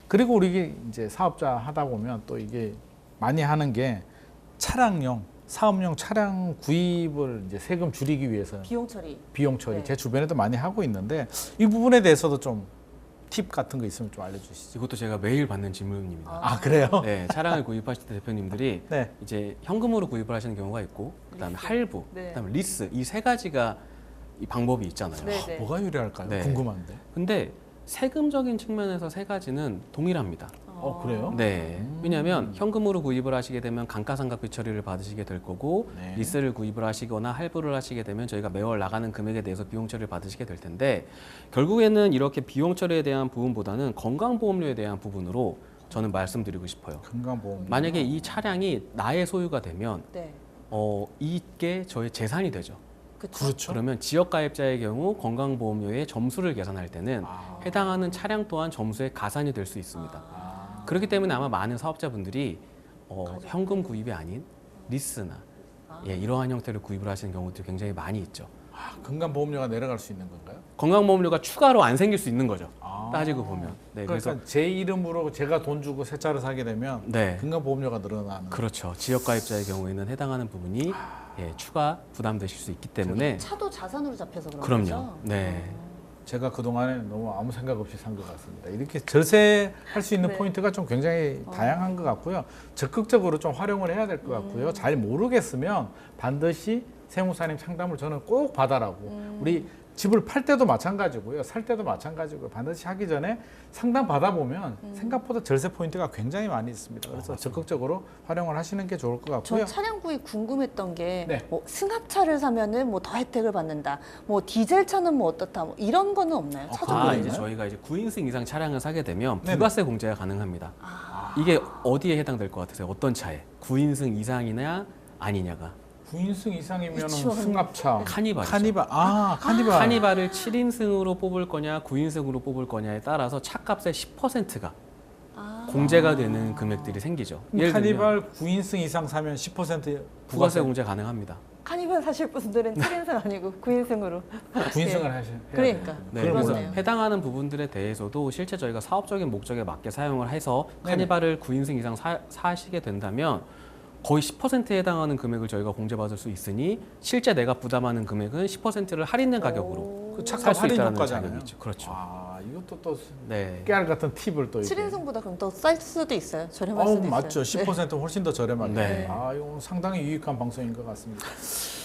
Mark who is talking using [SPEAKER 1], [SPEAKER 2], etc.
[SPEAKER 1] 그리고 우리 이제 사업자 하다 보면 또 이게 많이 하는 게 차량용, 사업용 차량 구입을 이제 세금 줄이기 위해서
[SPEAKER 2] 비용 처리. 네.
[SPEAKER 1] 제 주변에도 많이 하고 있는데 이 부분에 대해서도 좀 팁 같은 거 있으면 좀 알려주시죠.
[SPEAKER 3] 이것도 제가 매일 받는 질문입니다.
[SPEAKER 1] 아 그래요?
[SPEAKER 3] 네, 차량을 구입하실 때 대표님들이
[SPEAKER 1] 네.
[SPEAKER 3] 이제 현금으로 구입을 하시는 경우가 있고, 그다음에
[SPEAKER 2] 리스.
[SPEAKER 3] 할부,
[SPEAKER 2] 네.
[SPEAKER 3] 그다음에 리스 이 세 가지가 이 방법이 있잖아요.
[SPEAKER 2] 네, 네.
[SPEAKER 1] 뭐가 유리할까요?
[SPEAKER 3] 네.
[SPEAKER 1] 궁금한데.
[SPEAKER 3] 근데 세금적인 측면에서 세 가지는 동일합니다.
[SPEAKER 1] 그래요?
[SPEAKER 3] 네. 왜냐하면 현금으로 구입을 하시게 되면 감가상각비 처리를 받으시게 될 거고,
[SPEAKER 1] 네.
[SPEAKER 3] 리스를 구입을 하시거나 할부를 하시게 되면 저희가 매월 나가는 금액에 대해서 비용 처리를 받으시게 될 텐데, 결국에는 이렇게 비용 처리에 대한 부분보다는 건강보험료에 대한 부분으로 저는 말씀드리고 싶어요.
[SPEAKER 1] 건강보험.
[SPEAKER 3] 만약에 이 차량이 나의 소유가 되면
[SPEAKER 2] 네.
[SPEAKER 3] 이게 저의 재산이 되죠.
[SPEAKER 2] 그쵸?
[SPEAKER 1] 그렇죠.
[SPEAKER 3] 그러면 지역가입자의 경우 건강보험료의 점수를 계산할 때는
[SPEAKER 1] 아.
[SPEAKER 3] 해당하는 차량 또한 점수의 가산이 될 수 있습니다.
[SPEAKER 1] 아.
[SPEAKER 3] 그렇기 때문에 아마 많은 사업자분들이 현금 구입이 아닌 리스나 이러한 형태로 구입을 하시는 경우들이 굉장히 많이 있죠.
[SPEAKER 1] 건강보험료가 내려갈 수 있는 건가요?
[SPEAKER 3] 건강보험료가 추가로 안 생길 수 있는 거죠.
[SPEAKER 1] 아.
[SPEAKER 3] 따지고 보면. 네,
[SPEAKER 1] 그러니까
[SPEAKER 3] 그래서
[SPEAKER 1] 제 이름으로 제가 돈 주고 새 차를 사게 되면
[SPEAKER 3] 네,
[SPEAKER 1] 건강보험료가 늘어나는.
[SPEAKER 3] 그렇죠. 지역가입자의 경우에는 해당하는 부분이 추가 부담되실 수 있기 때문에
[SPEAKER 2] 차도 자산으로 잡혀서 그런
[SPEAKER 3] 그럼요.
[SPEAKER 2] 거죠?
[SPEAKER 3] 네.
[SPEAKER 1] 제가 그동안에 너무 아무 생각 없이 산 것 같습니다. 이렇게 절세할 수 있는
[SPEAKER 2] 네.
[SPEAKER 1] 포인트가 좀 굉장히 다양한 것 같고요. 적극적으로 좀 활용을 해야 될 것 같고요. 잘 모르겠으면 반드시 세무사님 상담을 저는 꼭 받아라고. 우리 집을 팔 때도 마찬가지고요. 살 때도 마찬가지고요. 반드시 하기 전에 상담 받아보면 생각보다 절세 포인트가 굉장히 많이 있습니다. 그래서 적극적으로 활용을 하시는 게 좋을 것 같고요.
[SPEAKER 2] 전 차량 구입 궁금했던 게
[SPEAKER 1] 네.
[SPEAKER 2] 뭐 승합차를 사면은 뭐 더 혜택을 받는다. 뭐 디젤 차는 뭐 어떻다. 뭐 이런 거는 없나요? 차종
[SPEAKER 1] 그런 거
[SPEAKER 2] 구입은?
[SPEAKER 3] 이제 저희가 이제 9인승 이상 차량을 사게 되면
[SPEAKER 1] 네네.
[SPEAKER 3] 부가세 공제가 가능합니다. 이게 어디에 해당될 것 같으세요? 어떤 차에? 9인승 이상이냐 아니냐가.
[SPEAKER 1] 9인승 이상이면
[SPEAKER 2] 유치원.
[SPEAKER 1] 승합차,
[SPEAKER 3] 카니발이죠.
[SPEAKER 1] 카니발.
[SPEAKER 3] 카니발을 7인승으로 뽑을 거냐 9인승으로 뽑을 거냐에 따라서 차값의 10%가 공제가 되는 금액들이 생기죠. 예를 들면
[SPEAKER 1] 카니발 9인승 이상 사면 10%
[SPEAKER 3] 부가세 공제 가능합니다.
[SPEAKER 2] 카니발 사실 분들은 7인승 아니고 9인승으로.
[SPEAKER 1] 9인승을
[SPEAKER 2] 예.
[SPEAKER 1] 하셔야
[SPEAKER 2] 그러니까.
[SPEAKER 3] 네,
[SPEAKER 1] 그걸
[SPEAKER 3] 그래서
[SPEAKER 2] 그러네요.
[SPEAKER 3] 해당하는 부분들에 대해서도 실제 저희가 사업적인 목적에 맞게 사용을 해서
[SPEAKER 1] 네네.
[SPEAKER 3] 카니발을 9인승 이상 사시게 된다면 거의 10%에 해당하는 금액을 저희가 공제받을 수 있으니 실제 내가 부담하는 금액은 10%를 할인된 가격으로
[SPEAKER 1] 그
[SPEAKER 3] 살
[SPEAKER 1] 차값
[SPEAKER 3] 수
[SPEAKER 1] 할인
[SPEAKER 3] 있다는
[SPEAKER 1] 효과잖아요.
[SPEAKER 3] 자격이 있죠. 그렇죠.
[SPEAKER 1] 아, 이것도 또
[SPEAKER 3] 네.
[SPEAKER 1] 깨알 같은 팁을 또 이렇게.
[SPEAKER 2] 7인승보다 그럼 더 쌀 수도 있어요. 저렴할 수도 있어요.
[SPEAKER 1] 맞죠. 10% 훨씬 더 저렴하게.
[SPEAKER 3] 네.
[SPEAKER 1] 아, 이거 상당히 유익한 방송인 것 같습니다.